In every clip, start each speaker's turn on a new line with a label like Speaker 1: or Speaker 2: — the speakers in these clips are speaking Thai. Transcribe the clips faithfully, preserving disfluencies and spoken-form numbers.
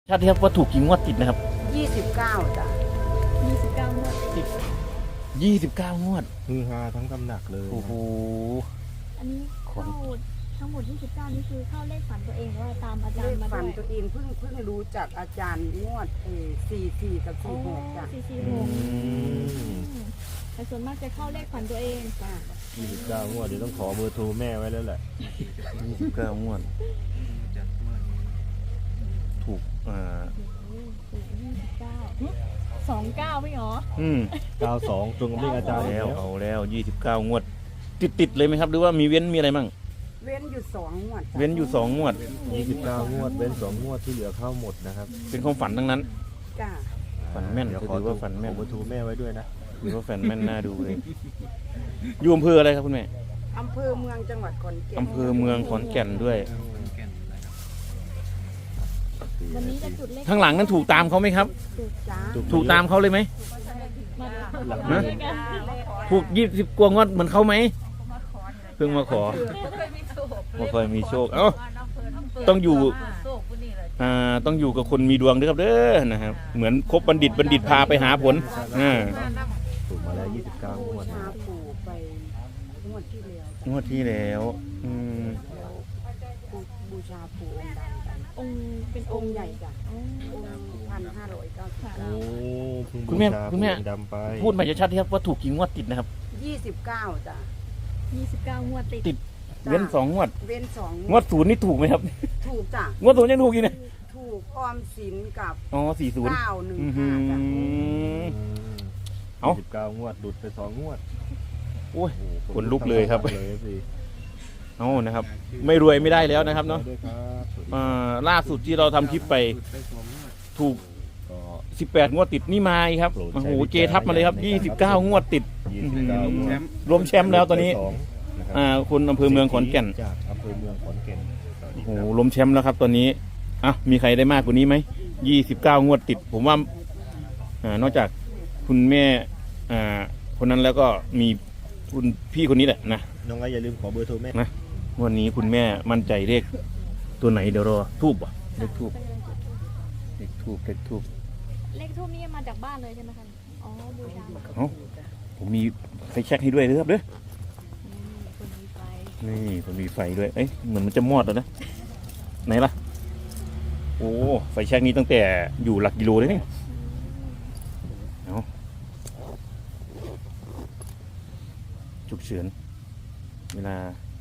Speaker 1: ชาติครับว่าถูกกี่งวดติดนะครับ
Speaker 2: ยี่สิบเก้าจ้ะ
Speaker 3: ยี่สิบเก้างวดติด
Speaker 1: ยี่สิบเก้างวด
Speaker 4: ฮือฮาทั้งตำหนักเลย
Speaker 1: โอ้โห
Speaker 3: อันนี้เข้าทั้งหมดยี่สิบเก้านี่คือเข้าเลขฝันตัวเองว่าตามอาจารย์มาด้วย
Speaker 2: ฝันตัวเองเพิ่งเพิ่งรู้จักอาจารย์งวดเอสี่สี่กับสี่หกจ้ะ
Speaker 3: สี่สี่หกแต่ส่วนมากจะเข้าเลขฝันตัวเอง
Speaker 2: จ้ะ
Speaker 4: ยี่สิบเก้างวดเดี๋ยวต้องขอเบอร์โทรแม่ไว้แล้วแหละ
Speaker 1: ยี่สิบเก้างวดถูกอ่า
Speaker 3: ถูกยี่สิบเก้าสองเก้าไม่หรอ
Speaker 1: อืม
Speaker 4: เก้าสองตรงกับเลขอาจารย์
Speaker 1: แล้วเอาแล้วยี่สิบเก้างวดติดติดเลยไหมครับหรือว่ามีเว้นมีอะไรมั่ง
Speaker 2: เว้นอยู่สองงวด
Speaker 1: เว้นอยู่สองงวด
Speaker 4: ยี่สิบเก้างวดเว้นสองงวดที่เหลือเข้าหมดนะครับ
Speaker 1: เป็นความฝันทั้งนั้น
Speaker 2: จ้ะ
Speaker 1: ฝันแม่นถือว่าฝันแม่น
Speaker 4: ขอเบอร์โทรแม่ไว้ด้วยนะ
Speaker 1: ถือว่าฝันแม่นน่าดูเลยอยู่อำเภออะไรครับคุณแม่
Speaker 2: อำเภอเมืองจังหวัดขอนแก่น
Speaker 1: อำเภอเมืองขอนแก่นด้วย
Speaker 3: วันนี้จะจุดเลข
Speaker 1: ข้างหลังนั้นถูกตามเขาไหมครับ
Speaker 2: ถูกจ้า
Speaker 1: ถูกตามเขาเลยไหมนะถูกยี่สิบกว่างวดเหมือนเขาไหมเพิ่งมาขอไม่เคยมีโชคเอ้าต้องอยู่อ่าต้องอยู่กับคนมีดวงด้วยครับเด้อนะครับเหมือนคบบัณฑิตบัณฑิตพาไปหาผลอ่า
Speaker 4: ถูกมาแล้วยี่สิบเก้างวด
Speaker 2: บูชาปู่ไปงวดที่แล้ว
Speaker 1: งวดที่แล้วอืม
Speaker 2: บูชาปู่องค์ดำ
Speaker 3: องค์เป็น
Speaker 2: องค์ใหญ่จ้ะพันห้าร้อยเก้าสิบเก้า
Speaker 1: คุณแม่คุณแม่พูดมาจะชัดที่ครับว่าถูกกี่งวดติดนะครับ
Speaker 2: ยี่สิบเก้าจ้ะ
Speaker 3: ยี่สิบเก้างวดติด
Speaker 1: ติดเว้นสองงวด
Speaker 2: เว้นสอง
Speaker 1: งวดศูนย์นี่ถูกไหมครับ
Speaker 2: ถูกจ้ะ
Speaker 1: งวดศูนย์ยังถูกอีกนะ
Speaker 2: ถูกออมสินกับ
Speaker 1: อ๋อสี่ศูนย์
Speaker 2: เก้าหนึ่งห้าจ้ะ
Speaker 1: เอา
Speaker 4: สิบเก้างวดหลุดไปสองงวด
Speaker 1: โอ้ยขนลุกเลยครับเอานะครับไม่รวยไม่ได้แล้วนะครับเนาะล่าสุดที่เราทำคลิปไปถูกสิบแปดงวดติดนี่มาครับโอ้โหเจทับมาเลยครับยี่สิบเก้างวดติดรวมแชมป์แล้วตอนนี้อ่าคุณอำเภอเมืองขอนแก่น
Speaker 4: จากอำเภอเมืองขอนแก่น
Speaker 1: โอ้โหรวมแชมป์แล้วครับตอนนี้อ่ะมีใครได้มากกว่านี้ไหมยี่สิบเก้างวดติดผมว่าอ่านอกจากคุณแม่อ่าคนนั้นแล้วก็มีคุณพี่คนนี้แหละนะ
Speaker 4: น้องไอ้อย่าลืมขอเบอร์โทรแม่
Speaker 1: นะวันนี้คุณแม่มั่นใจเลขตัวไหนเดี๋ยวรอทูบอ่ะเลขทูบเลขทูบเลขทูบ
Speaker 3: เลขทูบนี่มาจากบ้านเลยใช่ไหมคะอ๋อบูชา
Speaker 1: เอ้าผมมีไฟแช็กให้ด้วยนะครับเด้อนี่ผมมีไฟด้วยเอ้ยเหมือนมันจะมอดแล้วนะไหนล่ะโอ้ไฟแช็กนี้ตั้งแต่อยู่หลักกิโลเลยนี่เอาฉุกเฉินเวลา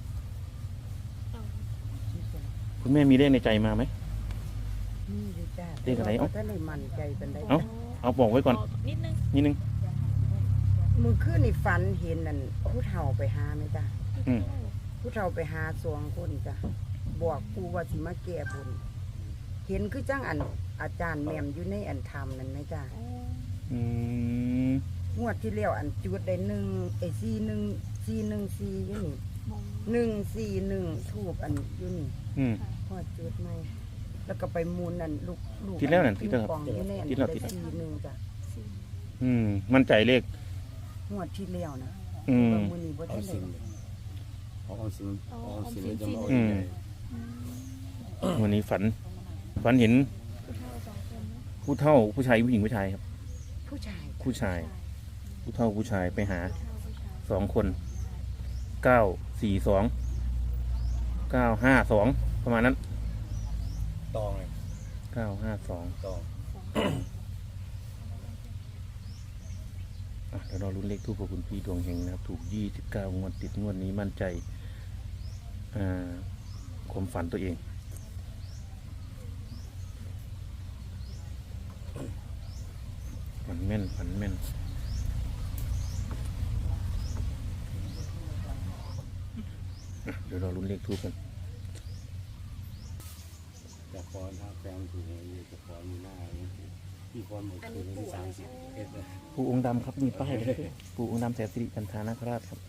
Speaker 1: คุณแม่มีเลขในใจมาไหมเลขอะไรเอ้าเอาเอาบอกไว้ก่อน
Speaker 3: นิดนึง
Speaker 1: นิดนึง
Speaker 2: มือขึ้นในฝันเห็นนั่นผู้เฒ่าไปหาไหมจ้ะผู้เฒ่าไปหาสองคนจ้ะบอกปูว่าสิมาแก้บนเห็นคือจังอันอาจารย์แมมอยู่ในอันธรรมนั่นไหมจ้ะงวดที่แล้วอันจุดได้หนึ่งไอซีหนึ่งซีหนึ่งซีอยู่นี่หนึ่งซีหนึ่งทูบอันอยู่นี่พอจุดไม่แล้วก็ไปมูลนั่นลูกลูก
Speaker 1: ที่แล้วนั่นที่แล้ว
Speaker 2: ที่แล้วที่แล้วซีหนึ่งจ้ะ
Speaker 1: อืมมั่นใจเลข
Speaker 2: งวดที่แล้วนะ
Speaker 1: อืม
Speaker 2: มือนี้บ่ที่เลย
Speaker 4: ออมสินออมสินจะมา
Speaker 1: อืมวันนี้ฝันฝันเห็นผู้เฒ่าผู้ชายผู้หญิงผู้ชายครับ
Speaker 2: ผู้ชาย
Speaker 1: ผู้ชายผู้เฒ่าผู้ชายไปหาสองคนเก้าสี่สองเก้าห้าสองประมาณนั้น
Speaker 4: ตองเลย
Speaker 1: เก้าห้าสอง
Speaker 4: ตอง
Speaker 1: เดี๋ยวเราลุ้นเลขทูปของคุณพี่ดวงเฮงนะครับถูกยี่สิบเก้างวดติดงวดนี้มั่นใจความฝันตัวเองฝันแม่นฝันแม่นเดี๋ยวเราลุ้นเลขทูปกัน
Speaker 4: จะฟ้อนถ้าแฟนถูกเลยจะฟ้อนมีหน้าพี่ฟ้อนหมดคืนที่สามสิบเอ็ดเลย
Speaker 1: ปู่องค์ดำครับมีป้ายเลยปู่องค์ดำแสนสิริกันธานาคราชครับ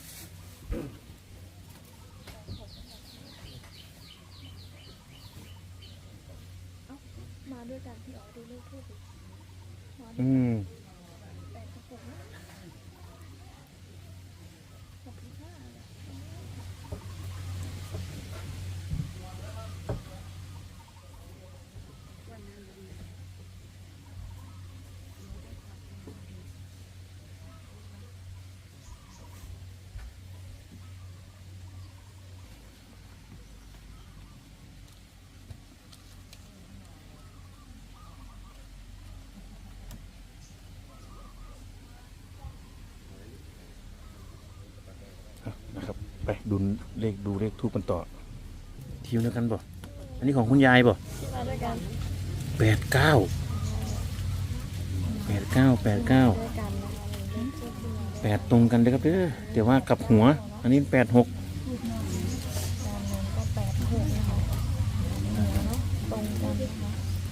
Speaker 3: มาด้วยกันที่อ๋อดูเลขทูป
Speaker 1: อืมไปดูเลขดูเลขทูปกันต่อทีมเดียวกันบ่อันนี้ของคุณยายบ่
Speaker 3: มาด้วยกัน
Speaker 1: แปดเก้าแปดเก้าแปดเก้า
Speaker 3: ด้วยกันนะคะ
Speaker 1: แปดตรงกันเลยครับเด้อเดี๋ยวว่ากลับหัว อันนี้แปดหก
Speaker 3: การเงินก็แปดหกนะคะเนาะตรงกันนะคะ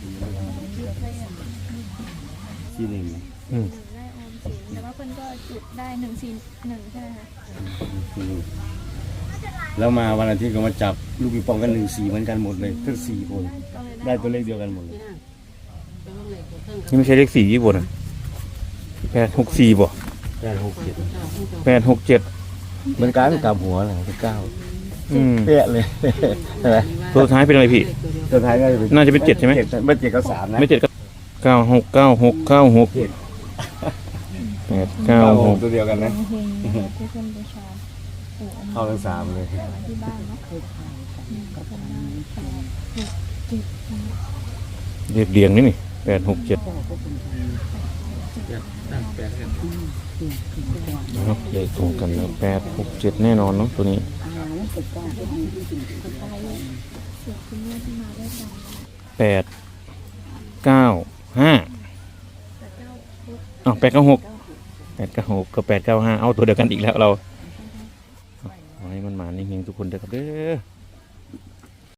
Speaker 4: ที่หนึ่ง
Speaker 1: อืม
Speaker 3: ได้ออมสินแต่ว่าเพิ่นก็จุดได้หนึ่งสี่หนึ่งใช่ไหมคะ
Speaker 4: ที่หนึ่งแล้วมาวันอาทิตย์ก็มาจับลูกปิงปองกันหนึ่งสี่เหมือนกันหมดเลยทั้งสี่คน
Speaker 3: ก็เลย
Speaker 4: ได้ตัวเลขเดียวกันหมดเลย
Speaker 1: นี่ไม่ใช่เลขสี่ยี่บ่นะแปดหกสี่บ่
Speaker 4: แปดหกเจ็ด
Speaker 1: แปดหกเจ็ด
Speaker 4: เหมือนกันกลับหัวเลยเป็นเก้า
Speaker 1: อืม
Speaker 4: เป๊ะเลยใช่ไหม
Speaker 1: ตัวสุดท้ายเป็นอะไรพี่
Speaker 4: ตัวท้ายก็จะเป็น
Speaker 1: น่าจะเป็นเจ็ดใช่ไหม
Speaker 4: เจ็ดไม่เจ็ดก็สามนะ
Speaker 1: ไม่เจ็ดก็เก้าหกเก้าหกเก้าหก
Speaker 4: เจ็ด
Speaker 1: แปดเก้า
Speaker 4: เก้า
Speaker 1: ห
Speaker 4: ห
Speaker 1: ก
Speaker 4: กตัวเดียวกันนะ
Speaker 3: เฮงๆนะคะที่เพิ่นบูชาปู่องค์
Speaker 4: เข้าทั้งสามเลย
Speaker 3: ที่บ้านเนาะอืมก็เป็นหน้าแปดหกเจ็ดนะคะ
Speaker 1: เรียบเรียงนี่นี่แปดหกเจ็ดนะครับเลขตรงกันแล้วแปดหกเจ็ดแน่นอนเนาะตัวนี้
Speaker 3: เสียคุณแม่ที่มาด้วยกัน
Speaker 1: แปดเก้าห้า
Speaker 3: แต่เจ้าพุทธ
Speaker 1: อ้าวแปดเก้าหกแปดเก้าหกกับแปดเก้าห้าเอาตัวเดียวกันอีกแล้วเราขอให้มันมานิ่งๆทุกคนเด้อครับเด้อ